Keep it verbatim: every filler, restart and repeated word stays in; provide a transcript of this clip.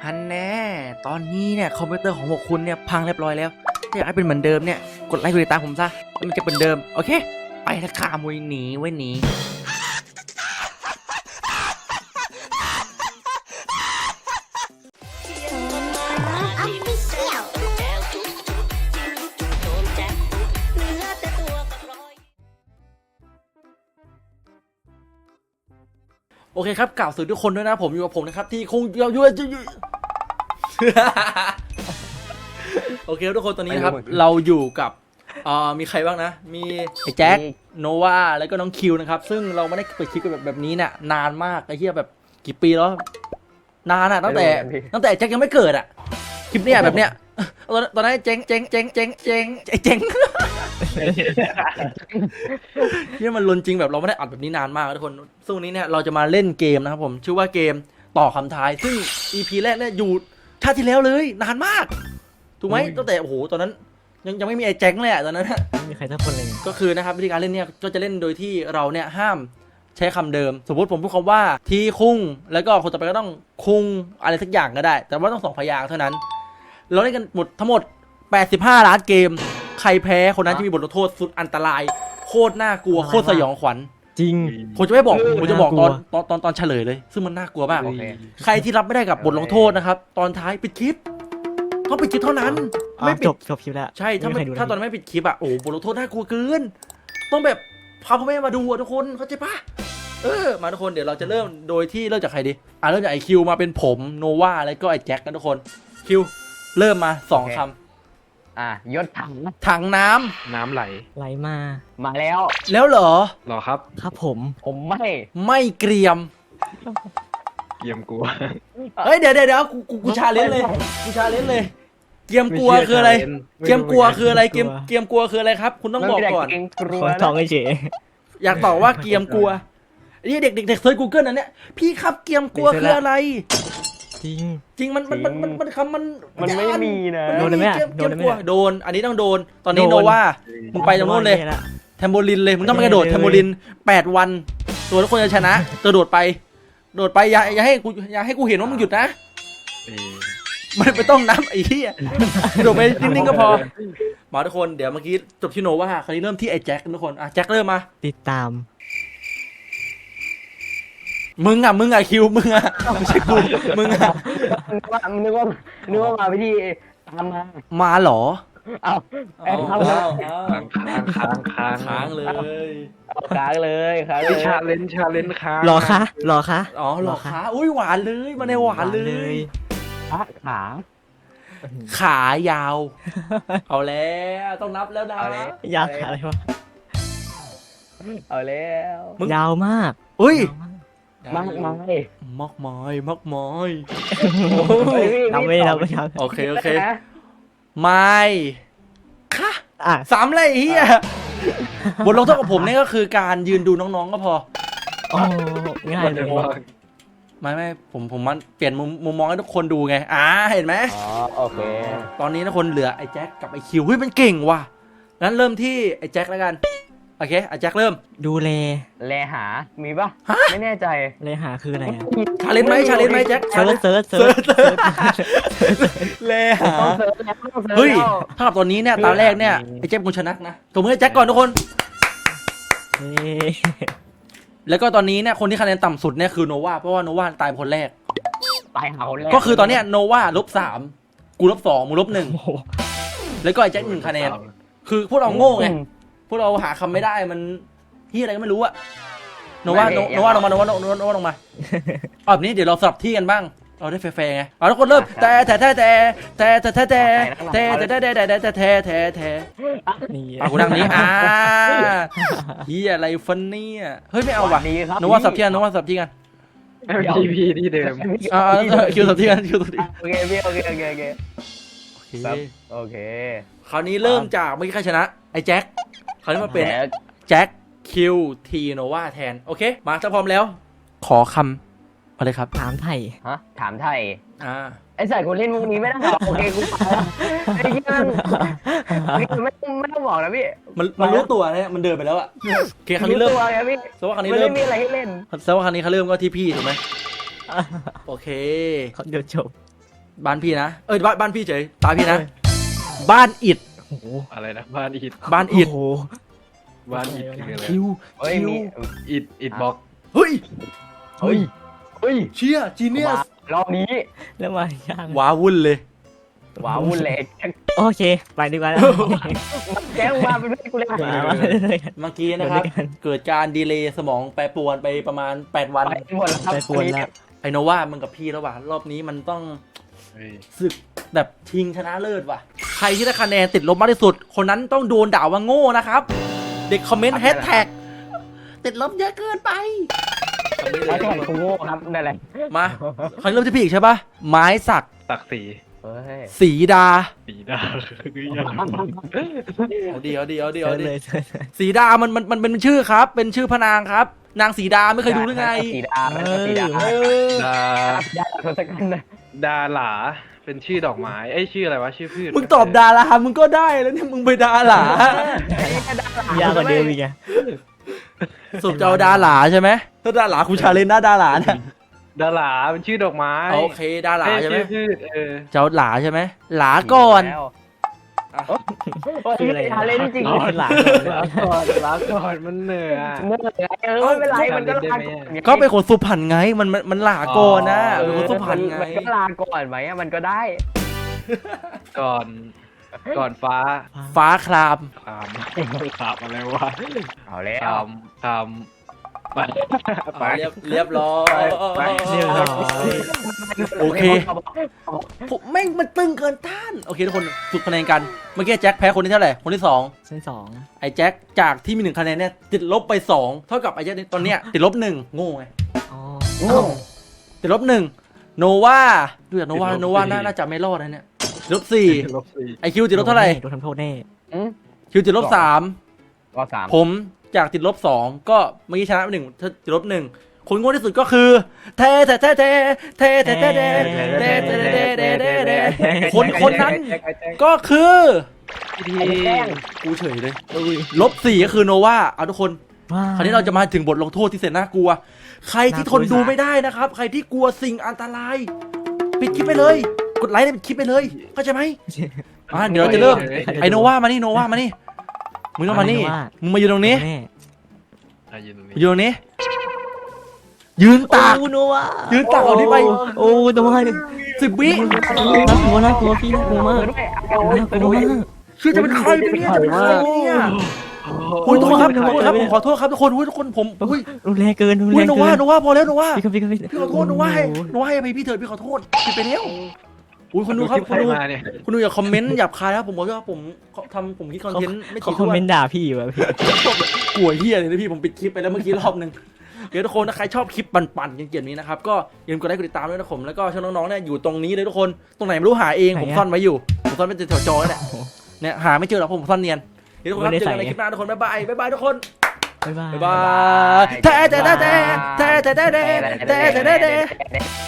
ฮันแน่ตอนนี้เนี่ยคอมพิวเตอร์ของพวกคุณเนี่ยพังเรียบร้อยแล้วถ้าอยากให้เป็นเหมือนเดิมเนี่ยกดไลค์กดติดตามผมซะแล้วมันจะเป็นเดิมโอเคไปละค่ะมวยหนีไว้หนีโอเคครับกล่าวสวัสดีทุกคนด้วยนะผมอยู่กับผมนะครับที่คงเยอะเยอะโอเคทุกคนตอนนี้นะครับเราอยู่กับอ่ามีใครบ้างนะมีไอ้แจ็คโนวาแล้วก็น้องคิวนะครับซึ่งเราไม่ได้เปิดคลิปกันแบบแบบนี้เนี่ยนานมากไอ้เหี้ยแบบกี่ปีแล้วนานอะตั้งแต่ตั้งแต่แจ็คยังไม่เกิดอะคลิปเนี้ยแบบเนี้ยตอนตอนนั้นเจ๊งเจ๊งเจ๊งเจ๊งเจ๊งไอ้เจ๊งที่มันลนจริงแบบเราไม่ได้อัดแบบนี้นานมากทุกคนซึ่งวันนี้เนี่ยเราจะมาเล่นเกมนะครับผมชื่อว่าเกมต่อคำทายซึ่ง อี พี แรกเนี่ยอยู่ชาติที่แล้วเลยนานมากถูกไหมตั้งแต่โอ้โหตอนนั้นยังยังไม่มีไอ้แจ็คเลยอะตอนนั้นไม่มีใครสักคนเลยก็คือนะครับวิธีการเล่นเนี่ยก็จะเล่นโดยที่เราเนี่ยห้ามใช้คำเดิมสมมติผมพูดคำว่าทีคุ้งแล้วก็คนต่อไปก็ต้องคุ้งอะไรสักอย่างก็ได้ แต่ว่าต้องสองพยางค์เท่านั้นเราเล่นกันหมดทั้งหมดแปดสิบห้าล้านเกมใครแพ้คนนั้นจะมีบทลงโทษสุดอันตรายโคตรน่ากลัวโคตรสยองขวัญจริงผมจะไม่บอกผมจะบอกตอนตอนตอนตอนเฉลยเลยซึ่งมันน่ากลัวมากใครที่รับไม่ได้กับบทลงโทษนะครับตอนท้ายปิดคลิปต้องปิดคลิปเท่านั้นไม่จบจบคลิปแล้วใช่ถ้าไม่ถ้าตอนไม่ปิดคลิปอะโอ้บทลงโทษน่ากลัวเกินต้องแบบพาพ่อแม่มาดูทุกคนเข้าใจปะเออมาทุกคนเดี๋ยวเราจะเริ่มโดยที่เริ่มจากใครดีอ่ะเริ่มจากไอคิวมาเป็นผมโนวาแล้วก็ไอแจ็คกันทุกคนคิวเริ่มมาสองคำอ่ะยศถังถังน้ำน้ำไหลไหลมามาแล้วแล้วเหรอหรอครับครับผมผมไม่ไม่เกรียมเกียมกลัวเฮ้ยเดี๋ยวเดี๋ยวเดี๋ยวกูกูกูชาเลนจ์เลยกูชาเลนจ์เลยเกียมกลัวคืออะไรเกียมกลัวคืออะไรเกียมเกียมกลัวคืออะไรครับคุณต้องบอกก่อนคนท้องไอ้เจ๋อยากตอบว่าเกียมกลัวนี่เด็กเด็กเด็กเซิร์ชกูเกิลนั่นเนี่ยพี่ครับเกียมกลัวคืออะไรจริงจริงมันมันมันมันมันคำมันมันไม่มีนะโดนไหมโดนไหมโดนอันนี้ต้องโดนตอนนี้โนว่ามึงไปตรงโน้นเลยแทมโบลินเลยมึงต้องไปกระโดดแทมโบลินแปดวันตัวทุกคนจะชนะกระโดดไปโดดไปอย่าอย่าให้กูอย่าให้กูเห็นว่ามึงหยุดนะมันไม่ต้องนับไอ้เหี้ยกระโดดไปนิ่งๆก็พอมาทุกคนเดี๋ยวเมื่อกี้จบที่โนว่าคราวนี้เริ่มที่ไอ้แจ็คทุกคนอ่ะแจ็คเริ่มมาติดตามมึงอ่ะมึงอ่ะคิวมึงอ่ะไม่ใช่กูมึงอ่ะนึกว่านึกว่านึกว่ามาพิธีตามมามาเหรอเอาเอาค้างค้างค้างค้างเลยค้างเลยค้างเลยชาเลนชาเลนค้างรอคะรอคะอ๋อรอคะอุ้ยหวานเลยมาในหวานเลยขาขายาวเอาแล้วต้องนับแล้วนะยาวขาอะไรวะเอาแล้วยาวมากอุ้ยมากมายมากมายมากมายเราไม่เราไม่โอเคโอเคไม่ค่ะสามเลยเฮียบทลงโทษของผมนี่ก็คือการยืนดูน้องๆก็พอโอ้ง่ายเลยไม่ไม่ผมผมมันเปลี่ยนมุมมุมมองให้ทุกคนดูไงอ่าเห็นไหมอ๋อโอเคตอนนี้ทุกคนเหลือไอ้แจ็คกับไอ้คิวเฮ้ยมันเก่งว่ะงั้นเริ่มที่ไอ้แจ็คแล้วกันโอเคไอ้แจ็คเริ่มดูแลแลหามีปะไม่แน่ใจแลหาคืออะไรชาเลนจ์ไหมชาเลนจ์ไหมแจ็คเซิร์ชเซิร์ชเซิร์ชแลหาเฮ้ยถ้ากับตอนนี้เนี่ยตาแรกเนี่ยไอ้แจ็คคุณชนะนะตัวมือไอ้แจ็คก่อนทุกคนแล้วก็ตอนนี้เนี่ยคนที่คะแนนต่ำสุดเนี่ยคือโนวาเพราะว่าโนวาตายคนแรกตายหาคนแรกก็คือตอนเนี้ยโนวาลบสามกูลบสองมึงลบหนึ่งแล้วก็ไอ้แจ็คหนึ่งคะแนนคือพวกเราโง่ไงพวกเราหาคำไม่ได้มันที่อะไรก็ไม่รู้อะโนวาโนวาลงมาโนวาโนวาโนวาลงมาอ๋อแบบนี้เดี๋ยวเราสลับที่กันบ้างเราได้แฟร์ไงเอาทุกคนเริ่มแต่แต่แต่แต่แต่แต่แต่แต่แต่แต่แต่แต่แต่แต่แต่แต่แต่เอากูนั่งนี้อ่าเฮียอะไรฟันนี่อะเฮ้ยไม่เอาว่ะโนวาสับที่กันโนวาสับที่กันพีพีที่เดิมอ่าคิวสับที่กันคิวสับที่โอเคพี่โอเคโอเคโอเคโอเคคราวนี้เริ่มจากเมื่อกี้ใครชนะไอ้แจ็คคราวนี้มาเป็นแจ็คคิวทีโนวาแทนโอเคมาถ้าพร้อมแล้วขอคำอะไรครับถามไทยฮะถามไทยอ่าไอ้ใส่คนเล่นมุกนี้ไม่ได้หรอกโอเคกูไปไอ้ที่มันไม่ไม่ต้องบอกนะพี่มันมันรู้ตัวเนี่ยมันเดินไปแล้วอะโอเคคราวนี้เริ่มพี่แสดงว่าคราวนี้เริ่มมีอะไรให้เล่นแสดงว่าคราวนี้เขาเริ่มก็ที่พี่ถูกไหมโอเคเดี๋ยวจบบ้านพี่นะเอ้ยบ้านบ้านพี่เฉยตาพี่นะบ้านอิดโอ้โหอะไรนะบ้านอิดบ้านอิดโอ้โหบ้านอิดคืออะไรคิวเฮ้ยคิวมีอิดอิดบล็อกเฮ้ยเฮ้ยเฮ้ยเชี่ยจีเนียสรอบนี้แล้วมาย่างว้าวุ่นเลยว้าววุ่นเลยแจ็คโอเคไปดีกว่าแล้วแจ็คมาเป็นเพื่อนกูเลยมามาเลยกันเมื่อกี้นะครับเดี๋ยวด้วยกันเกิดการดีเลย์สมองแปรปรวนไปประมาณแปดวันไปหมดแล้วครับไปปวนแล้วไอโนว่ามึงกับพี่แล้วว่ะรอบนี้มันต้องเฮ้ยศึกแบบชิงชนะเลิศว่ะ ใครที่ได้คะแนนติดลบมากที่สุด คนนั้นต้องโดนด่าว่าโง่นะครับ เด็กคอมเมนต์แฮชแท็กติดลบเยอะเกินไปแล้วแข่งกูโง่ครับนั่นแหละมาคราวนี้เริ่มที่พี่อีกใช่ปะไม้สักตักสีเฮ้ยสีดาสีดาคือยังเอาดีเอาดีเอาดีเจเอาอดีเลยเจอเลยสีดามันมันมันเป็นชื่อครับ เป็นชื่อพระนางครับ นางสีดาไม่เคยดูหรือไงสีดาสีดาเออดาดาทศกัณฐ์นะดาหลาเป็นชื่อดอกไม้เอ้ยชื่ออะไรวะชื่อพืชมึงตอบดารามึงก็ได้แล้วเนี่ยมึงไปดาหลายากกว่าเดิมอีกอะสุดจะเอาดาหลาใช่ไหมถ้าดาหลาคุณชาเลนนะดาหลาเนี่ยดาหลาเป็นชื่อดอกไม้โอเคดาหลาเอ้ยใช่ไหมชื่อพืชเออเจ้าหลาใช่ไหมหลาก่อนชื่ออะไรทาเลนจริงอ๋อหลังลาก่อนลาก่อนมันเหนื่อยอะเมื่อไหร่เออไม่เป็นไรมันก็ลาก็เป็นคนสุพรรณไงมันมันมันหลาก่อนนะเป็นคนสุพรรณไงมันก็ลาก่อนไหมมันก็ได้ก่อน ก่อนฟ้าฟ้าครามคามคามอะไรวะเอาแล้วคามคามไปไปเรียบเรียบร้อยไปเรียบร้อยโอเคผมแม่งมันตึงเกินต้านโอเคทุกคนฝึกคะแนนกันเมื่อกี้แจ็คแพ้คนที่เท่าไหร่คนที่สองเส้นสองไอ้แจ็คจากที่มีหนึ่งคะแนนเนี่ยติดลบไปสองเท่ากับไอ้แจ็คตอนเนี้ยติดลบหนึ่งโง่ไงอ๋อติดลบหนึ่งโนวาดูจากโนวาโนวาน่าจะไม่รอดนะเนี่ยติดลบสี่ลบสี่ไอคิวติดลบเท่าไหร่โดนทำโทษแน่คิวติดลบสามก็สามผมจากติดลบสองก็เมื่อกี้ชนะไปหนึ่งติดลบหนึ่งคนโง่ที่สุดก็คือเทเทเทเทเทเทเทเทเทเทเทเทเทคนคนนั้นก็คือทีกูเฉยเลยลบสี่ก็คือโนวาเอาทุกคนคราวนี้เราจะมาถึงบทลงโทษที่แสนน่ากลัว ใครที่ทนดูไม่ได้นะครับ ใครที่กลัวสิ่งอันตราย ปิดคลิปไปเลย กดไลค์ปิดคลิปไปเลยเข้าใจไหมอ่ะเดี๋ยวเราจะเริ่มไอโนวามานี่โนวามานี่มึงต้องมานี่มึงมายืนตรงนี้แน่อ่ะยืนตรงนี้มายืนตรงนี้ ยืนตากโอ้โนวายืนตากเอานี้ไปโอ้โนวาสิบวิน่ากลัวน่ากลัวพี่น่ากลัวมากด้วยน่ากลัวมากคือจะเป็นใครไปเนี่ยจะเป็นใครเนี่ยโอ้ยทุกคนครับทุกคนครับผมขอโทษครับทุกคนอุ้ยทุกคนผมอุ้ยรุนแรงเกินรุนอุ้แรยงโนเกิวาน โนวาพอแล้วโนวาพี่ครับพี่ครับพี่พี่ขอโทษโนวาให้โนวาให้อภัยพี่เถิดพี่ขอโทษผิดไปแล้วอุ้ยคุณดูครับคคุลิณปดูใครมาเนี่ยคุณดูอย่าคอมเมนต์หยาบคายครับผมบอกว่าผมทำผมคิดคอนเทนต์ไม่เขาถี่คอมถ้วเมนนต์ด่าพี่อยู่อะพี่กลัวเฮียเลยนะพี่ผมปิดคลิปไปแล้วเมื่อกี้รอบนึงเดี๋ยวทุกคนถ้าใครชอบคลิปปั่นๆเกี่ยวๆนี้นะครับก็อย่าลืมกดไลค์กดติดตามด้วยนะผมแล้วก็ช่องน้องๆเนี่ยอยู่ตรงนี้เลยทุกคนตรงไหนไม่รู้หาเองผมซ่อนไว้อยู่ผมซ่อนไว้แถวจอนี่แหละเนี่ยหาไม่เจอหรอกผมซ่อนเนียนเดี๋ยวทุกคนครับเจอกันในคลิปหน้าทุกคนบ๊ายบายบ๊ายบายทุกคนบ๊ายบายบ๊ายบายแท้แท้แท้แท้แท้แท้แท้แท้แท้แท้